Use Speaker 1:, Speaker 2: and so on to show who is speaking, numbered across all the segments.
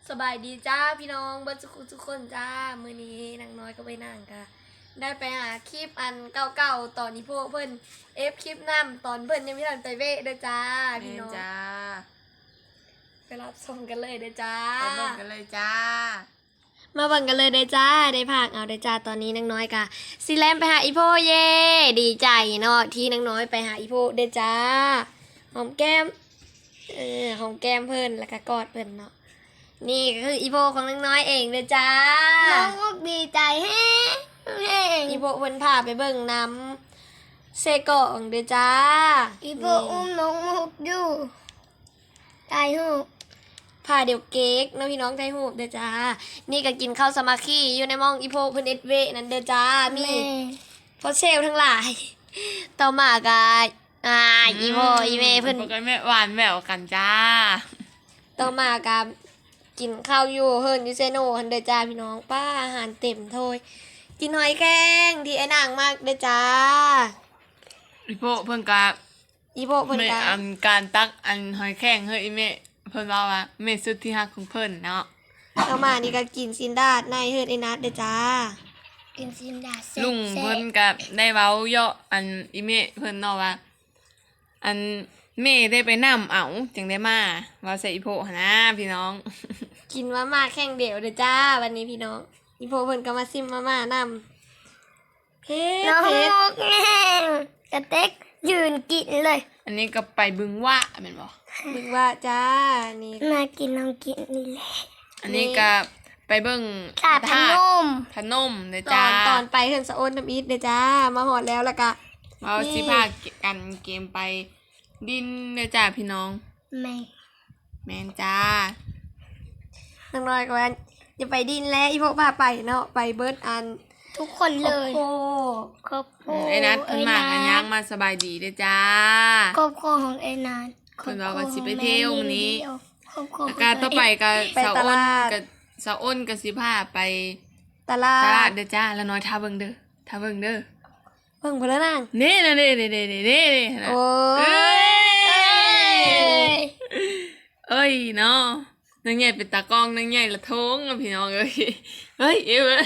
Speaker 1: สบายดีจ้าพี่น้องเบิร์ดทุกคนจ้ามื้อนี้นางน้อยก็ไปนั่งค่ะได้ไปหาคลิปอันเก่าๆตอนนี้พวกเพิ่นคลิปนำตอนเพิ่นยังไม่ทันไปเวะเด้อจ้าพี่น้อง
Speaker 2: จ้า
Speaker 1: ไปรับชมกันเลยเด้อจ้า
Speaker 2: ไปเบิ่งกันเลยจ้า
Speaker 1: มาเบิ่งกันเลยเด้อจ้าได้ภาคเอาเด้อจ้าตอนนี้นางน้อยกะสิแลมไปหาอีโพเย่ดีใจเนาะที่นางน้อยไปหาอีโพเด้อจ้าหอมแก้มหอมแก้มเพิ่นแล้วก็กอดเพิ่นเนาะนี่ก็คืออีโพของนางน้อยเองเด้อจ้า
Speaker 3: น้องมุกดีใจแฮง
Speaker 1: อีโพเพิ่นพาไปเบิ่งน้ำเซโกะของเด้อจ้า
Speaker 3: อีโบอุ้มน้องมุกอยู่ใจหู
Speaker 1: พาเดี๋ยวเก๊กน้องพี่น้องไทยหูบเด้อจ้านี่ก็กินข้าวสามัคคีอยู่ในหม้องอีโพเพิ่นเอ็ดเวนั่นเด้อจ้ามีพอเชลทั้งหลายต่อมากะอีโพอีเมเพิ่น
Speaker 2: ก็แม่หวานแหววกันจ้า
Speaker 1: ต่อมากะกินข้าวอยู่เฮิร์นยูเซโนฮันเด้อจ้าพี่น้องป้าอาหารเต็มถ้วยกินหอยแครงที่ไอ้นางมากเด้อจ้า
Speaker 2: อีโพเพิ่นกะ
Speaker 1: อีโพเพิ่นกะ
Speaker 2: อันการตักอันหอยแข้งเฮ้ยอีเมเพิ่นว่าเมสุดที่ฮักของเพิ่นเนาะ
Speaker 1: ต่อมานี่ก็กินซินดาดในเฮิร์นไอ้นัดเด้อจ้า
Speaker 3: กินซินดาเซ่
Speaker 2: ลุงเพิ่นกะได้เว้าเยาะอันอีเมเพิ่นเนาะว่าอันเมได้ไปนำเอาจึงได้มาว่าใส่อีโพหั่นนะพี่น้อง
Speaker 1: กินมาม่าแข่งเดี่ยวเด้อจ้าวันนี้พี่น้องอีโพเพิ่นก็มาซิมมาม่านำเพช
Speaker 3: น้อง
Speaker 1: ร
Speaker 3: มุกแห้งกระเต็กยืนกินเลย
Speaker 2: อันนี้ก็ไปบึงว่าแม่นบ่
Speaker 1: นึกว่าจ้านี่
Speaker 3: มากินน้องกินนี่แหละ
Speaker 2: อันนี้ก็ไปเบิ่ง
Speaker 3: ถาดพนม
Speaker 2: พนมเด้อ
Speaker 1: ต
Speaker 2: จ้า
Speaker 1: อนไปเฮิร์นสะโอนน้ำอีทเด้อจ้ามาหอดแล้วก็
Speaker 2: เราสิพากันเกมไปดินเด้อจ้าพี่น้อง
Speaker 3: แม่
Speaker 2: แม่นจ้า
Speaker 1: น้องน้อยก็ว่าอย่าไปดินแล้วอีโพพาไปเนาะไปเบิร์ดอัน
Speaker 3: ทุกคนเลย
Speaker 1: โอ้
Speaker 3: ครอบครัว
Speaker 2: ไอ้นัดเพิ่นมากันย่างมาสบายดีเด้อจ้า
Speaker 3: ครอบครัวของไอ้นัท
Speaker 2: เพิ่นว่าสิไปเที่ยวมื้อนี้
Speaker 3: ครอบครัว
Speaker 2: แล้วก็ต่อไปก็สาวอ้นกับสาวอ้นก็สิพาไป
Speaker 1: ตลา
Speaker 2: ตลาด
Speaker 1: ด
Speaker 2: เด้อจ้าแล้วน้อยท่าเบิ่งเด้อท่าเบิ่งเด้อ
Speaker 1: เพิ่งพลนาง
Speaker 2: นี่นะนี่นะ
Speaker 1: โอ้
Speaker 2: เอ้
Speaker 1: ย
Speaker 2: เอ้ยเนาะนางใหญ่เป็นตากล้องนางใหญ่ละท้องอะพี่น้องเอ้ยเฮ้ยเอ้ย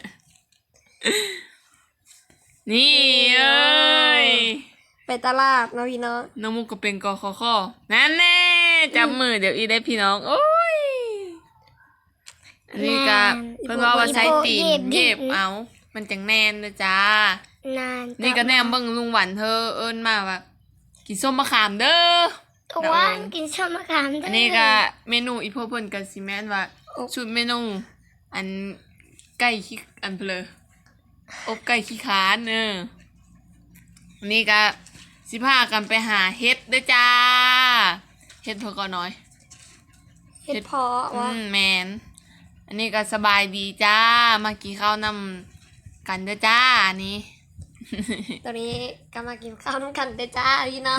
Speaker 2: นี่เอ้ย
Speaker 1: ไปตลาดเนาะพี่น้อง
Speaker 2: น้องมุกก็เป็นกคคนั่นแน่จับมือเดี๋ยวอีได้พี่น้องโอ้ยอันนี้ก็เพิ่นว่าใช้ตีนเย็บเอามันจังแน่นนะจ้าน
Speaker 3: าน
Speaker 2: นี่ก็แนมเบิ่งลุงหวันเธอเอิ้นมาว่ากินส้มมะขามเด้อ
Speaker 3: ทุกวันกินส้มมะขามด้วย
Speaker 2: อันนี้ก็เมนูอีพวกเพิ่นก็สิแม่นว่าชุดเมนูอันไก่ขี้อันเพลออบไก่ขี้คร้านอันนี้ก็สิพากันไปหาเฮ็ดเด้อจ้าเฮ็ดเพิ่นก็น้อย
Speaker 1: เฮ็ดเพาะวะ
Speaker 2: แมนอันนี้ก็สบายดีจ้ามากินข้าวนำกันเด้อจ้าอันนี้
Speaker 1: ตอนนี้ก็มากินข้าวน้ำกันเด้อจ้าพี่น้อง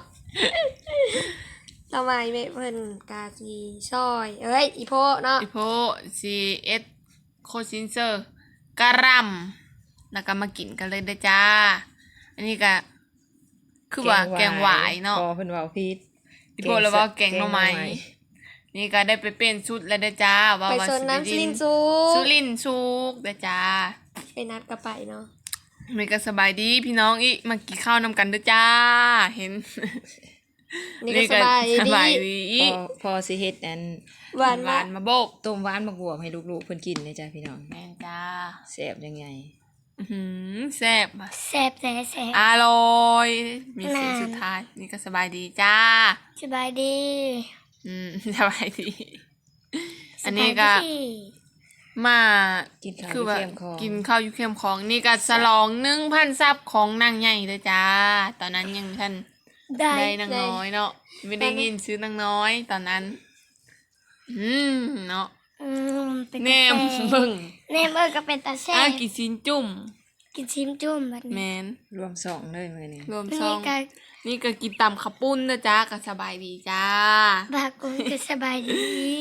Speaker 1: เรามาอีเมเพิ่นกาซีซอยเอ้ยอีโพเนาะ
Speaker 2: อีโพCS โคซินเซอร์กะหร่ำแล้วก็มากินกันเลยเด้อจ้า อันนี้ก็คือว่าแกงหวายเนาะ
Speaker 4: พอเพิ่นเว้าผิด
Speaker 2: อีโพแล้วว่าแกงหน่อไม้นี่ก็ได้ไปเป็นชุดแล้วเด้อจ้าว่า
Speaker 1: ไป
Speaker 2: ว่า
Speaker 1: โซนน้ำซิลินซู
Speaker 2: สุรินทร์สุกเด้อจ้า
Speaker 1: ไปนัดก็ไปเนาะ
Speaker 2: มันก็สบายดีพี่น้องอีมากินข้าวนำกันเด้อจ้าเห็น
Speaker 1: นี่ก็สบาย
Speaker 2: ส
Speaker 1: ดี
Speaker 2: บายดี
Speaker 4: พอสิเฮ็ดอัน
Speaker 1: หวาน
Speaker 2: หวานมาโบก
Speaker 4: ต้มหวานบักบวบให้ลูกๆเพิ่นกินเลยจ้ะพี่น้อง
Speaker 2: แม่นจ้า
Speaker 4: แซ่บยังไง
Speaker 2: แซ่บอะ
Speaker 3: แซ่บแซ่บแซ่บ
Speaker 2: อร่อยมีเสียง
Speaker 3: นาน
Speaker 2: สุดท้ายนี่ก็สบายดีจ้า
Speaker 3: สบายดี
Speaker 2: สบายดี อันนี้ก็
Speaker 3: สบายดี
Speaker 2: มา
Speaker 4: กินข้าว
Speaker 2: คือว่า
Speaker 4: เข้มของ
Speaker 2: กินข้าวอยู่เข้มของนี่ก็ฉลอง1,000 ซับของนางใหญ่เลยจ้า ตอนนั้นยังท่าน
Speaker 3: ได้
Speaker 2: ได้นางน้อยเนาะไม่ได้ยินซื้อนางน้อยตอนนั้นเนาะ
Speaker 3: เป็น
Speaker 2: แน
Speaker 3: ตาม แซ่
Speaker 2: เบิ่ง
Speaker 3: แนมก็เป็นตาแซ่
Speaker 2: กินซินจุ่ม
Speaker 3: กินชิมจุ่มแบบ
Speaker 2: แม
Speaker 3: นี้
Speaker 2: น
Speaker 4: รวมสองเลยมื้อนี้
Speaker 2: รวม
Speaker 3: นี่
Speaker 2: ซอง
Speaker 3: ก็
Speaker 2: นี่ก็กินตำข้าวปุ้นนะจ้าก็สบายดีจ้า
Speaker 3: บากุนก็สบายดี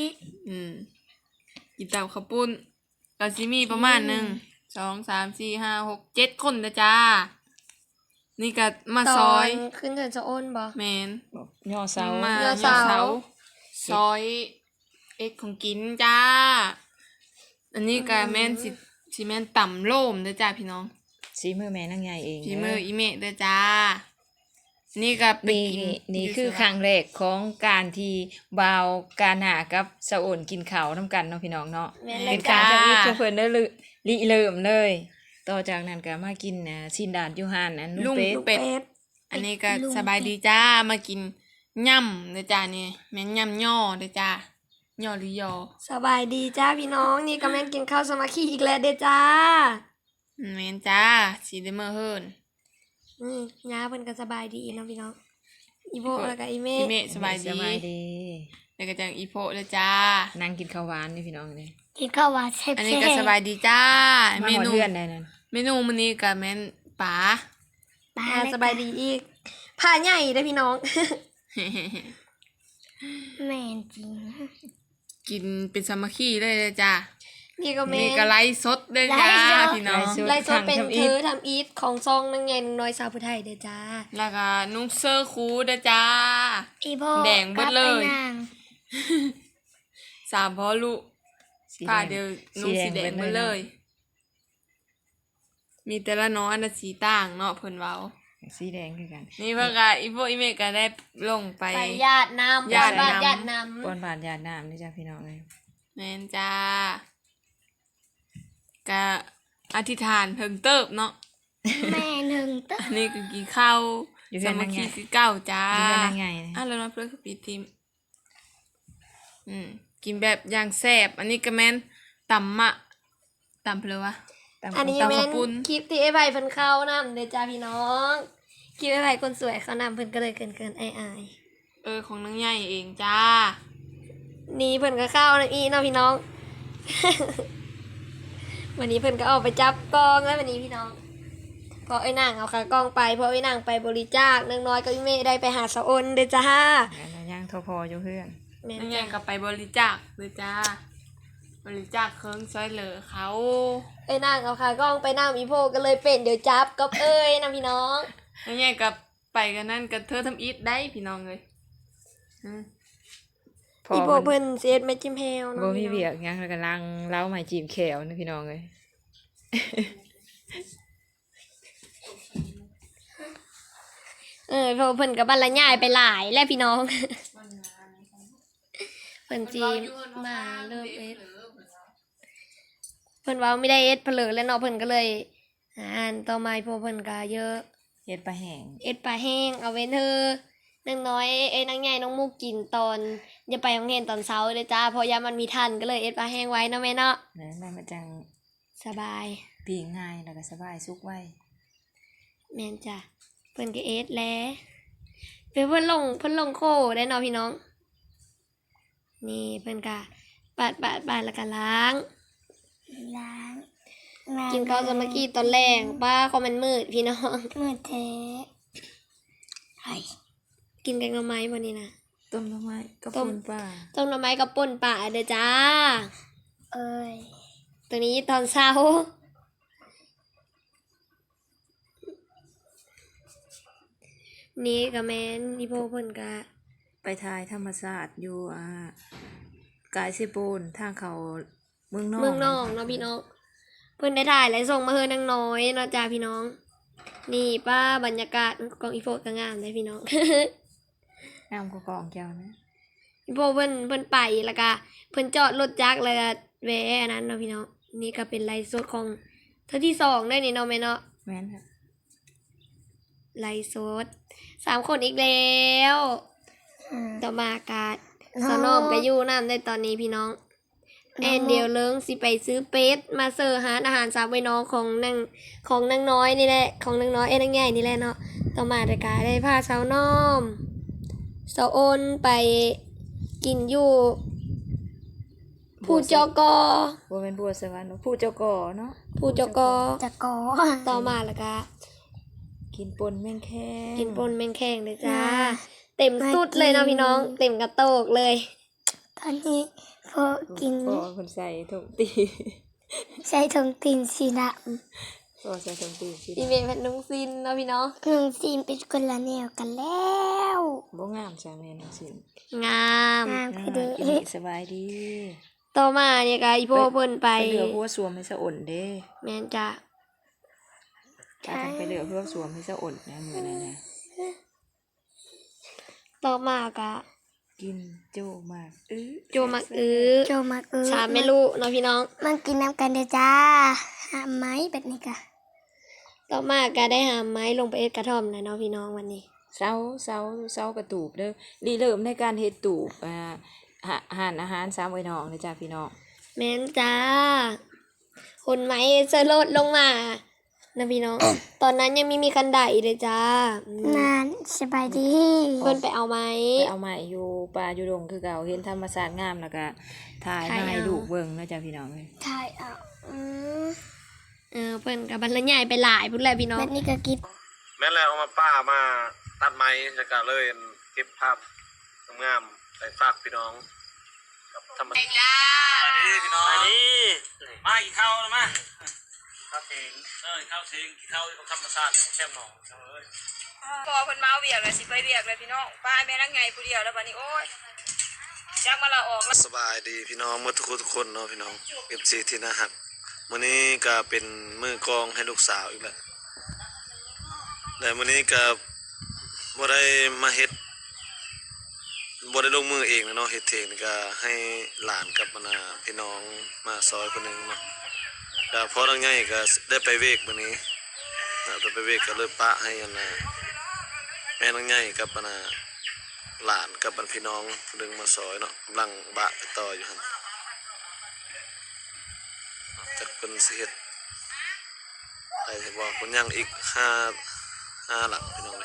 Speaker 2: กินตำข้าวปุ้นก็สิมีประมาณ1 2 3 4 5 6 7 คนนะจ้า นี่ก็มาซอย
Speaker 1: ตนขึ้นเถินจะโอนบ่
Speaker 2: แมน
Speaker 4: ย่อเสา
Speaker 2: มา
Speaker 1: ย่อเสา
Speaker 2: ซอยเอ็ดของกินจ้า อันนี้ก็แม่นสิแม่นต่ำโล่มเด้อจ้าพี่น้อง
Speaker 4: สีมือแม่นางใหญ่เอง
Speaker 2: ฝีมืออีเมะเด้อจ้า นี่ก็ไป
Speaker 4: นี่
Speaker 2: กิน
Speaker 4: นี่คือครั้งแรกของการที่บ่าวการหากับสะโอนกินข้าวนํกันเนาะพี่น้องเนาะ
Speaker 1: แม่น
Speaker 4: เป็
Speaker 1: เลย
Speaker 4: นกา
Speaker 1: จ้าร
Speaker 4: ทำอิฐชุมเพิ่นได้เลยริเริ่มเลย ต่อจากนั้นก็มากินซินดาดยูฮานอัน
Speaker 2: ลุ
Speaker 4: ลุ
Speaker 2: ง
Speaker 4: งเป็ด
Speaker 2: เป็ด อันนี้ก็สบายดีจ้า มากินย่ำเด้อจ้านี่แม่นย่ำย่อเด้อจ้าย่อหรือยอ
Speaker 1: สบายดีจ้าพี่น้องนี่ก็แม่นกินข้าวสามัคคีอีกแล้วเด้อจ้า
Speaker 2: แม่นจ้าสีเดเมอร์เฮิร์น
Speaker 1: ย่าเพิ่นก็สบายดีเนาะพี่น้องอีโบแล้วก็อีเม
Speaker 2: อี
Speaker 1: ฆ
Speaker 2: เมะสบาย
Speaker 4: สบาย
Speaker 2: ดี
Speaker 4: ดี
Speaker 2: แล้วก็จังอีโพเด้อจ้า
Speaker 4: นั่งกินข้าวหวานนี่พี่น้องเลย
Speaker 3: กินข้าวหวานแซ่บ
Speaker 2: อันนี้ก็สบายดีจ้า
Speaker 4: มา
Speaker 2: เม
Speaker 4: หอด
Speaker 2: นู
Speaker 4: เพื่อนได้นั่น
Speaker 2: เมนูมื้อนี้ก็แม่นป๋า
Speaker 3: ปลา
Speaker 1: สบายดีอีกผ้าใหญ่เด้อพี่น้อง
Speaker 3: แม่นจริง
Speaker 2: กินเป็นสามัคคีเลยเด้อจ้า
Speaker 1: นี่ก็แม่
Speaker 2: นี่ก็ไลฟ์สดเด้อจ้าพี่น้อง
Speaker 1: ไลฟ์สดเป็นเธอทำอีทของซองนางใหญ่นางน้อยสาวผู้ไทยเด้อจ้า
Speaker 2: แล้วก็นุ่งเสื้อคูเด้อจ้า
Speaker 3: อีโพ
Speaker 2: แดงเบิดเลย
Speaker 3: กับไอ้นาง
Speaker 2: สามพ่อลูก
Speaker 4: สี
Speaker 2: ผ้า
Speaker 4: แด
Speaker 2: เดียว
Speaker 4: ง
Speaker 2: นุ่งสีแดงหมาเลย มีแต่ละน้อยอันละสีต่างเนาะเพิ่นเว้า
Speaker 4: สีแดงคือกัน
Speaker 2: นี่เพิ่นก็อีโฟอีเมก็ได้ลงไป
Speaker 1: ไปญาติน้ำ
Speaker 2: ญาติน้ำ
Speaker 1: บ้นญาติน้
Speaker 4: ปอนบาดยาน้ำนี่จ้าพี่น้องเลย
Speaker 2: แม่นจ้าก็อธิษฐานเพิ่งเติบเนาะ
Speaker 3: แม่หนึ่งตึ๊
Speaker 2: อันนี้ก็กินข้าว
Speaker 4: อยู่
Speaker 2: ส
Speaker 4: เพื่อน
Speaker 2: มั
Speaker 4: นา
Speaker 2: ค
Speaker 4: ง
Speaker 2: คี
Speaker 4: ใหญ่
Speaker 2: คือเก่าจ้า
Speaker 4: อยู่เพื่อนนางใหญ่นะ
Speaker 2: แล้วเนาะเพื่อนคือปีทีมกินแบบอย่างแซ่บอันนี้ก็แม่นตำมะตำเพลวะ
Speaker 4: ตาม
Speaker 1: ำอันนี้
Speaker 2: ตำ
Speaker 1: แม่
Speaker 2: ข้าวน ปุ้น
Speaker 1: คลิปที่ไอ้ไผ่เพิ่นเข้านำเด้อจ้าพี่น้องคลิปไอ้ไผ่คนสวยเขานำเพิ่นก็เลยเกินอาย
Speaker 2: ของนางใหญ่เองจ้า
Speaker 1: ๆนี่เพิ่นก็เข้านำอีเนาะพี่น้อง วันนี้เพิ่นก็ออกไปจับกองแล้ววันนี้พี่น้องพอไอ้นางเอาขากล้องไปพอไอ้นางไปบริจาคนางน้อยก็อีเมได้ไปหาสะออนเด้อจ้า
Speaker 4: แล้วย่างทอพออยู่เพื่อน
Speaker 1: แม่น
Speaker 2: นางใหญ่
Speaker 1: จ้ะ
Speaker 2: ก็ไปบริจาคเลยจ้า บริจาคเครื่องช่วยเหลือเขา
Speaker 1: ไอ้นางเอาขากล้องไปนำอีโพก็เลยเป็นเดี๋ยวจับก็เอ้ยนะพี่น้อง
Speaker 2: นางใหญ่ก็ไปกันนั่นกับเธอทำอีทได้พี่น้องเลยอืม
Speaker 4: พอ
Speaker 1: อีโพ
Speaker 4: เพิ่น
Speaker 1: เพิ่นเสียดไม่จิ้มแฮว
Speaker 4: บ่
Speaker 1: เนาะ
Speaker 4: มี
Speaker 1: พี่น้อง
Speaker 4: เบียกย่างแล้วก็ล้างเล้าใหม่จีบแขวนะพี่น้องเลย
Speaker 1: เพราะเพิ่นกับบรรยายไปหลายแล้วพี่น้อง เพิ่นจีมาเริ่มเอสเพิ่นเว่าไม่ได้เอสเผลอแล้วเนาะเพิ่นก็เลยอ่านต่อมาอีโพเพิ่นก็เยอะ
Speaker 4: เฮ็ดปลาแห้ง
Speaker 1: เอ็ดปลาแห้งเอาเว้นเธอนางน้อยนางใหญ่น้องมุกกินตอนอย่าไปโรงเรียนตอนเช้าเลยจ้าเพราะยามมันมีทันก็เลยเอ็ดปลาแห้งไว้เนาะแม่เนาะ
Speaker 4: แล้วได้มาจัง
Speaker 1: สบาย
Speaker 4: ปีงง่ายแล้วก็สบายสุกไว้
Speaker 1: แม่นจ้ะเพิ่นก็เอ็ดแล้วเพิ่นลงโคได้เนาะพี่น้อง นี่เพิ่นก็ปาดแล้วก็ล้าง
Speaker 3: ล้าง
Speaker 1: กินข้าวสามัคคีตอนแรงป้าคอมเมนต์มืดพี่น้อง
Speaker 3: มือเทไอ้
Speaker 1: กินกันกับไม้วันนี้นะ
Speaker 4: ต้มหน่อไม้กับ
Speaker 1: ต้ม
Speaker 4: ปูนปลา
Speaker 1: ต้มหน่อไม้กับป่นป่าเด้อจ้า
Speaker 3: เอ้ย
Speaker 1: ตัวนี้ตอนเช้า นี่ก็แม่นอีโพเพิ่นก็
Speaker 4: ไปทายธรรมศาสตร์อยู่กายสิปูนทางเขาเมืองนอก
Speaker 1: เมืองนอกเนาะพี่น้อง เพิ่นได้ถ่ายและส่งมาเฮือนางน้อยเนาะจ้าพี่น้อง นี่ป้าบรรยากาศของอีโพก็งามเลยพี่น้อง
Speaker 4: น้ำก็กองเจ้านะ
Speaker 1: อีโพเพิ่นไปแล้วก็เพิ่นจอดรถจักรแล้วก็แวะอันนั้นเนาะพี่น้อง นี่ก็เป็นไลฟ์สดของเธอที่2ได้นี่เนาะแม่เนาะ
Speaker 4: แม่นค่ะ
Speaker 1: ไลฟ์สด3 คนอีกแล้ว ต่อมากาดสนอมก็อยู่น้ำในตอนนี้พี่น้องแอนเดียวเลิงสิไปซื้อเป็ดมาเสิร์ฟอาหารสามไว้น้องของนางน้อยนี่แหละของนางน้อยนางใหญ่นี่แหละเนาะต่อมาแต่กาได้พาสาวน้อมสาวโอนไปกินอยู่ผู้จก
Speaker 4: บัวเป็นบัวสวรรค์ผู้เจ้าก่อเนาะ
Speaker 1: ผู้จก
Speaker 3: จะกอ
Speaker 1: ต่อมาแล้วก็
Speaker 4: กินปนแม่งแค่
Speaker 1: กินปนแมงแข้งเลยจ้าเต็มสุดเลยเนาะพี่น้องเต็มกระโตกเลย
Speaker 3: ตอนนี้พอกิน
Speaker 4: พ่อคนใส่ถุงตี
Speaker 3: ใช้ถุงตีนสีด
Speaker 4: ก็ใส่ถุงตีสิ
Speaker 1: อีเมลเป็นน้องซินเนาะพี่น้อง
Speaker 3: น้องซีนเป็นคนละแนวกันแล้ว
Speaker 4: บ่งามจ้าแม่น้องสิน
Speaker 1: งาม
Speaker 3: งามคือเด้
Speaker 4: กินนี่สบายดี
Speaker 1: ต่อมาเนี่ยก็อีโพเพิ่นไป
Speaker 4: ไปเหลือหัวสวมให้สะอ่อนเด้
Speaker 1: แม่นจ้ะ
Speaker 4: ถ้ากันไปเหลือหัวสวมให้สะอ่อนนะมื้อนั้นนะ
Speaker 1: ต่อมาก็
Speaker 4: กินโจมาก
Speaker 1: โจมักอื้อ
Speaker 3: โจมา
Speaker 1: ชามไม่รู้เนาะพี่น้อง
Speaker 3: มันกินน้ำกันเด้อจ้าหาไม้แบบนี้กะ
Speaker 1: ต่อมาก็ได้หาไม้ลงไปเอ็ดกระท่อมนะเนาะพี่น้องวันนี้
Speaker 4: เซากระตูบเด้อรีเริ่มในการเฮ็ดตูบอาหาร3ไว้น้องเด้อจ้าพี่น้อง
Speaker 1: แม่นจ้าคนไม้จะลดลงมานะพี่น้อง ตอนนั้นยังไม่มีคันไดเลยจ้า
Speaker 3: นานสบายดี
Speaker 1: เพิ่นไปเอาไม้
Speaker 4: ไปเอามาอยู่ป่าอยู่ดงคือเก่าเห็นธรรมชาติงามแล้วก็ถ่ายมาให้ลูกเบิ่งเนาะจ้าพี่น้องเอ้ย
Speaker 3: ถ่ายเอาม
Speaker 1: เพิ่นกับบรรยายไปหลายพุ่นแหละพี่น้อง
Speaker 3: แบบนี้ก็กิน
Speaker 5: แม่นแล้วเอามาป้ามาตัดไม้แล้วก็เลยเก็บภาพงามๆไปฝากพี่น้องกับธรรมชาตินี่พี่น้องนี่มากินข้าวแล้วมาข้าวเองข้าวเองกินข้าวธรรมชาติแช่หนองเอ้ย
Speaker 6: พอเพิ่นมาเวียกแล้วสิไปเวียกเลยพี่น้องป้าแม่นางไงผู้เดียวแล้วบัดนี้โอ้ยจักมาละออกแล้ว
Speaker 5: สบายดีพี่น้องเมื่อทุกคนเนาะพี่น้อง FC ที่น่าฮักมื้อนี้ก็เป็นมือกลองให้ลูกสาวอีกแล้วและมื้อนี้ก็บ่ได้มาเฮ็ดบ่ได้ลงมือเองนะเนาะเฮ็ดเองนี่ก็ให้หลานกับพี่น้องมาซอยคนหนึงเนาะก็พอทางใหญ่ก็ได้ไปเวกมื้อนี้ไปเวกก็เลยปะให้แม่นางใหญ่กับหลานกับพี่น้องดึงมาซอยเนาะกำลังบะไปต่ออยู่หั่นจักเพิ่นสิเฮ็ดได้สิบ่เพิ่นยังอีก5หลังพี่น้อง